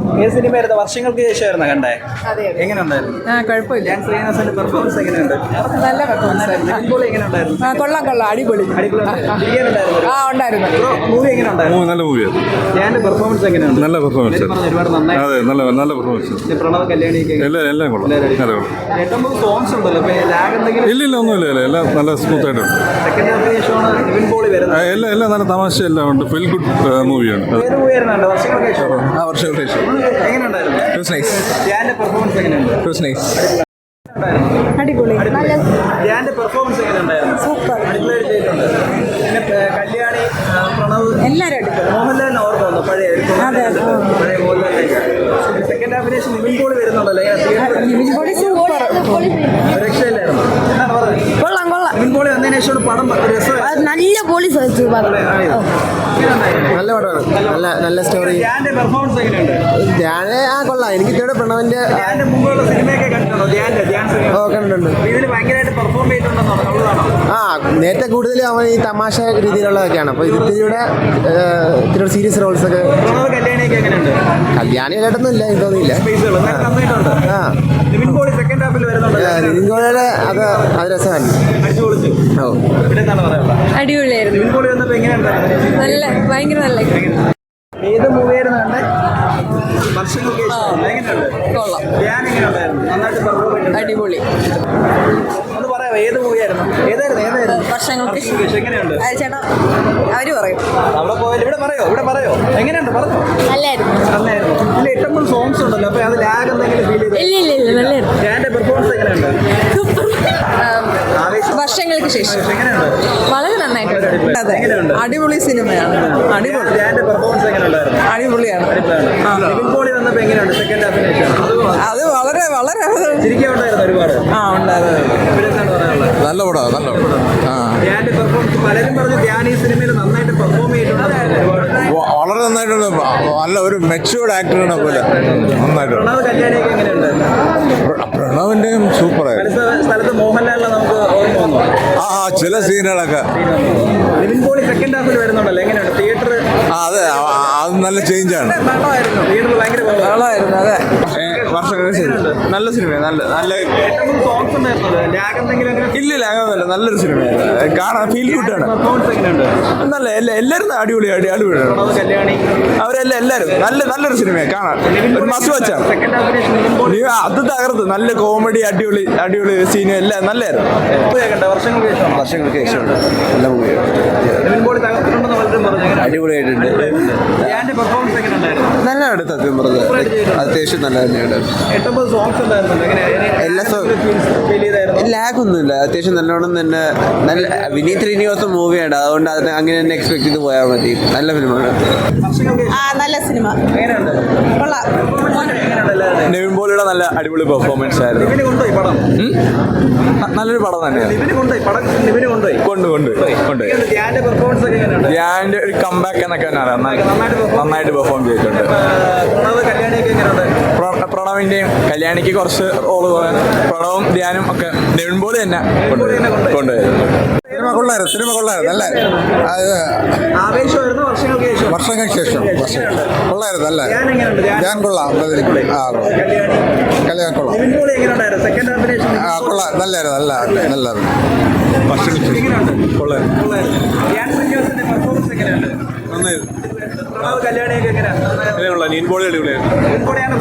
ഏത് സിനിമയായിരുന്നു? വർഷങ്ങൾക്ക് ശേഷമായിരുന്നു കണ്ടേ? എങ്ങനെ ഉണ്ടായിരുന്നു? കുഴപ്പമില്ല. ഞാൻ ശ്രീനിവാസന്റെ പെർഫോമൻസ് എങ്ങനെയുണ്ട്? നല്ല പെർഫോമൻസ് എങ്ങനെയുണ്ടായിരുന്നു? കൊള്ളാം അടിപൊളി. ഉണ്ടായിരുന്നു. മൂവി എങ്ങനെ ഉണ്ടായിരുന്നു? നല്ല മൂവിയാണ്. ഞാൻ പെർഫോമൻസ് എങ്ങനെയുണ്ട്? നല്ല പെർഫോമൻസ്. ഒരുപാട് നന്നായി. അതെ, നല്ല പെർഫോമൻസ്. പ്രണവ് കല്യാണിക്ക് എല്ലാം കൊള്ളാം. ഏറ്റവും സോങ്സ് ഉണ്ടല്ലോ, ലാഗ് എന്തെങ്കിലും? ഇല്ല ഒന്നുമില്ല, എല്ലാം നല്ല സ്മൂത്ത് ആയിട്ടുണ്ട്. സെക്കൻഡ് ഹാഫിന് ശേഷമാണ് നിവിൻ പോളി വരുന്നത്. എല്ലാം നല്ല തമാശ എല്ലാം ഉണ്ട്. ഫീൽ ഗുഡ് മൂവിയാണ്. ഏത് മൂവിയായിരുന്നു? വർഷങ്ങൾക്ക് ശേഷം. വർഷങ്ങൾക്ക് ശേഷം എങ്ങനെയുണ്ടായിരുന്നു? ധ്യാന്റെ പെർഫോമൻസ് എങ്ങനെയുണ്ട്? അടിപൊളി. ധ്യാന്റെ പെർഫോമൻസ് എങ്ങനെയുണ്ടായിരുന്നു? സൂപ്പർ. അടിപൊളിയായിട്ട് ചെയ്തിട്ടുണ്ട്. പിന്നെ കല്യാണി, പ്രണവ്, എല്ലാവരും അടിപൊളി. മോഹൻലാലിനെ ഓർമ്മ വന്നു പഴയ മോഹൻലാലിലേക്ക്. സെക്കൻഡ് ഹാഫിന് ശേഷം നിവിൻ പോളി വരുന്നുണ്ടല്ലോ. സൂപ്പർ. രക്ഷയില്ലായിരുന്നു. എന്താണ് പറഞ്ഞത്? കൊള്ളാം. നിവിൻ പോളി വന്നതിന് ശേഷം പടം രസമായിരുന്നു. നല്ല പോളി. നല്ല പടമാണ്. നല്ല സ്റ്റോറി. ധ്യാന്റെ പെർഫോമൻസ് എങ്ങനെയുണ്ട്? കൊള്ളാം. എനിക്ക് ഇതോടെ പ്രണവിന്റെ ധ്യാന്റെ മുമ്പുള്ള സിനിമയൊക്കെ കണ്ടിട്ടുണ്ടോ? കണ്ടിട്ടുണ്ട്. ഇതിൽ ഭയങ്കരമായിട്ട് പെർഫോം ചെയ്തിട്ടുണ്ടെന്നുള്ളതാണോ? നേരത്തെ കൂടുതലും അവൻ ഈ തമാശ രീതിയിലുള്ളതൊക്കെയാണ്. അപ്പോൾ ഇത്തിരി സീരിയസ് റോൾസ് ഒക്കെ. കല്യാണിയൊക്കെ എങ്ങനെയുണ്ട്? കല്യാണിയായിട്ടൊന്നും ഇല്ല, തോന്നിയില്ല. നിവിൻ പോളി സെക്കൻഡ് ഹാഫിൽ വരുന്നുണ്ട്. നിവിൻ പോളിയുടെ അത് രസമായിരുന്നു. അടിപൊളിയായിരുന്നു. നിവിൻ പോളി വന്നപ്പോൾ എങ്ങനെയുണ്ടായിരുന്നു? ഭയങ്കര നല്ല. ഏത് മൂവിയായിരുന്നു കണ്ടേ? വർഷങ്ങൾക്ക് ശേഷം. എങ്ങനെയുണ്ട്? കൊള്ളാം. ധ്യാൻ എങ്ങനെയുണ്ടായിരുന്നു? നന്നായിട്ട് പെർഫോം ചെയ്തിട്ടുണ്ട്. അടിപൊളി. ഒന്ന് പറയാമോ, ഏത് മൂവിയായിരുന്നു? ഏതായിരുന്നു? വർഷങ്ങൾക്ക് ശേഷം. എങ്ങനെയുണ്ട്? ചേട്ടാ അവര് പറയും. അവിടെ പോയാലും ഇവിടെ പറയോ എങ്ങനെയുണ്ട്? പറഞ്ഞോ. നല്ലായിരുന്നു. ഇതിൽ ഇഷ്ടംപോലെ സോങ്സ് ഉണ്ടല്ലോ, അപ്പൊ അത് ലാഗ് എന്തെങ്കിലും ഫീൽ ചെയ്തു? ഇല്ല നല്ലായിരുന്നു. ധ്യാന്റെ പെർഫോമൻസ് എങ്ങനെയുണ്ട്? വർഷങ്ങൾക്ക് ശേഷം എങ്ങനെയുണ്ട്? വളരെ നന്നായിട്ടുണ്ട്. എങ്ങനെയുണ്ട്? അടിപൊളി സിനിമയാണ്. അടിപൊളി. ധ്യാന്റെ പെർഫോമൻസ് എങ്ങനെയുണ്ടായിരുന്നു? അടിപൊളിയാണ്. നിവിൻ പോളി വന്നപ്പോൾ എങ്ങനെയുണ്ട് സെക്കൻഡ് ഹാഫിന് ശേഷം? അത് വളരെ ചിരിക്കാനുണ്ടായിരുന്നു ഒരുപാട്. എന്താണ് പറയാനുള്ളത്? നല്ല പടമാണ്. ധ്യാന്റെ പെർഫോമൻസ് പലരും പറഞ്ഞു ധ്യാൻ ഈ സിനിമയിൽ നന്നായിട്ട് പെർഫോം ചെയ്തിട്ടുണ്ട്. വളരെ നന്നായിട്ടുണ്ട്. നല്ല ഒരു മെച്യൂർഡ് ആക്ടറിനെ പോലെ നന്നായിട്ട്. പ്രണവ് കല്യാണിയൊക്കെ എങ്ങനെയുണ്ട്? പ്രണവിന്റെയും സൂപ്പറായിരുന്നു. പല സ്ഥലത്ത് മോഹൻലാലിനെ നമുക്ക് ഓർമ്മ വന്നു. ചില സീനുകളൊക്കെ. നിവിൻ പോളി സെക്കൻഡ് ഹാഫിൽ വരുന്നുണ്ടല്ലോ, എങ്ങനെയുണ്ട്? തിയേറ്റർ അതെ, അത് നല്ല ചേഞ്ചാണ്. തിയേറ്ററിൽ ഭയങ്കര കൊള്ളായിരുന്നു. അതെ, നല്ല സിനിമയാണ്. നല്ല സോങ്സ് ഉണ്ടായിരുന്നത്. ലാഗ് എന്തെങ്കിലും ഇല്ല, ലാഗൊന്നുമില്ല. നല്ലൊരു സിനിമയാണ്. കാണാൻ ഫീൽ ഗുഡാണ്. പെർഫോമൻസ് എങ്ങനെയുണ്ട്? നല്ല എല്ലാവരും അടിപൊളിയാണ്. പ്രണവ് കല്യാണി എല്ലാവരും നല്ലൊരു സിനിമയാണ്. കാണാൻ ഒരു മസ്റ്റ് വാച്ചാണ്. സെക്കൻഡ് ഹാഫിന് ശേഷം നിവിൻ പോളി അത് തകർത്ത്. നല്ല കോമഡി, അടിപൊളി സീനും എല്ലാം നല്ലായിരുന്നു. വർഷങ്ങൾക്ക് ശേഷമുണ്ട്. നല്ല മൂവിയാണ്. നിവിൻ പോളി തകർത്തിട്ടുണ്ടെന്ന് പലരും പറഞ്ഞു. അടിപൊളിയായിട്ടുണ്ട്. ധ്യാന്റെ പെർഫോമൻസ് എങ്ങനെയുണ്ടായിരുന്നു? നല്ലതാണ്. സത്യം പറഞ്ഞത് അത്യാവശ്യം നല്ല തന്നെയാണ്. 8 സോങ്സ് ഉണ്ടായിരുന്നു. എല്ലാ ഫീൽ ചെയ്തായിരുന്നു? ലാഗ് ഒന്നുമില്ല. അത്യാവശ്യം നല്ലോണം തന്നെ. വിനീത് ശ്രീനിവാസൻ മൂവിയാണ്. അതുകൊണ്ട് അതിന് അങ്ങനെ തന്നെ എക്സ്പെക്ട് ചെയ്ത് പോയാൽ മതി. നല്ല ഫിലിമാണ്. നല്ല സിനിമ. എങ്ങനെയുണ്ട്? നിവിൻ പോളിയുടെ നല്ല അടിപൊളി പെർഫോമൻസ് ആയിരുന്നു. നിവിന് കൊണ്ടുപോയി പടം. നല്ലൊരു പടം തന്നെയാണ്. നിവിന് കൊണ്ടുപോയി പടം. നിവിന് കൊണ്ടുപോയി. ധ്യാന്റെ പെർഫോമൻസ് ഒക്കെ എങ്ങനെയുണ്ട്? ധ്യാന്റെ ഒരു കംബാക്ക് എന്നൊക്കെ നന്നായിട്ട് പെർഫോം ചെയ്തിട്ടുണ്ട്. പ്രണവ് കല്യാണിയൊക്കെ എങ്ങനെയുണ്ട്? പ്രണവിന്റെയും കല്യാണിക്ക് കുറച്ച് റോള് പോകാൻ പ്രണവും ധ്യാനും ഒക്കെ നിവിൻ പോളി തന്നെ കൊണ്ടുപോയി. സിനിമ കൊള്ളായിരുന്നു. നല്ല ആവേശമായിരുന്നു. വർഷങ്ങൾക്ക് ശേഷം കൊള്ളായിരുന്നു. നല്ല ധ്യാൻ എങ്ങനെയുണ്ട്? ഞാൻ കൊള്ളാം. കല്യാണം കൊള്ളാം. നിവിൻ പോളി എങ്ങനെയുണ്ടായിരുന്നു? സെക്കൻഡ് ഹാഫിന് കൊള്ളാം. നല്ലായിരുന്നു. എങ്ങനെയുണ്ട്? കൊള്ളായിരുന്നു. ധ്യാൻ ശ്രീനിവാസന്റെ പെർഫോമൻസ് എങ്ങനെയുണ്ട്? പ്രണവ് കല്യാണിയൊക്കെ എങ്ങനെയാണ്? നിവിൻ പോളി അടിപൊളിയായിരുന്നു. നിവിൻ പോളിയാണ്